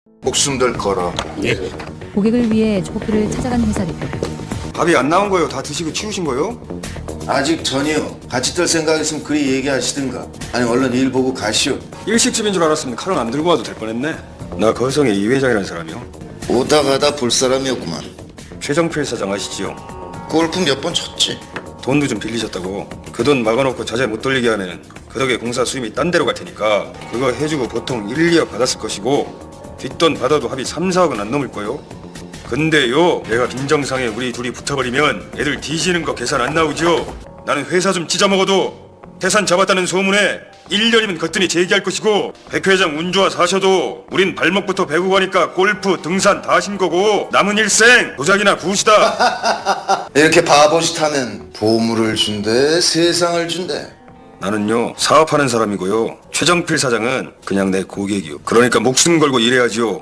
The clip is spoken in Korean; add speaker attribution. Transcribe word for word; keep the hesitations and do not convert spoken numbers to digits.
Speaker 1: 목숨들 걸어.
Speaker 2: 예.
Speaker 3: 고객을 위해 조폭들을 찾아간 회사 대표.
Speaker 4: 밥이 안 나온 거요? 다 드시고 치우신 거요?
Speaker 1: 아직 전이요. 같이 뜰 생각 있으면 그리 얘기하시든가. 아니 얼른 일 보고 가시오.
Speaker 4: 일식집인 줄 알았으면 칼은 안 들고 와도 될 뻔했네. 나 거성의 이 회장이라는 사람이요.
Speaker 1: 오다 가다 볼 사람이었구만.
Speaker 4: 최정필 사장 아시지요?
Speaker 1: 골프 몇 번 쳤지.
Speaker 4: 돈도 좀 빌리셨다고. 그 돈 막아놓고 자재 못 돌리게 하면 그 덕에 공사 수임이 딴 데로 갈 테니까 그거 해주고 보통 일, 이억 받았을 것이고 뒷돈 받아도 합의 삼, 사억은 안 넘을 거요. 근데요, 내가 빈정상에 우리 둘이 붙어버리면 애들 뒤지는 거 계산 안 나오죠? 나는 회사 좀 찢어먹어도 태산 잡았다는 소문에 일 년이면 거뜬히 제기할 것이고 백 회장 운 좋아 사셔도 우린 발목부터 배고 가니까 골프, 등산 다 하신 거고 남은 일생 도자기나 구우시다.
Speaker 1: 이렇게 바보짓 하면 보물을 준대, 세상을 준대.
Speaker 4: 나는요 사업하는 사람이고요 최정필 사장은 그냥 내 고객이요. 그러니까 목숨 걸고 일해야지요.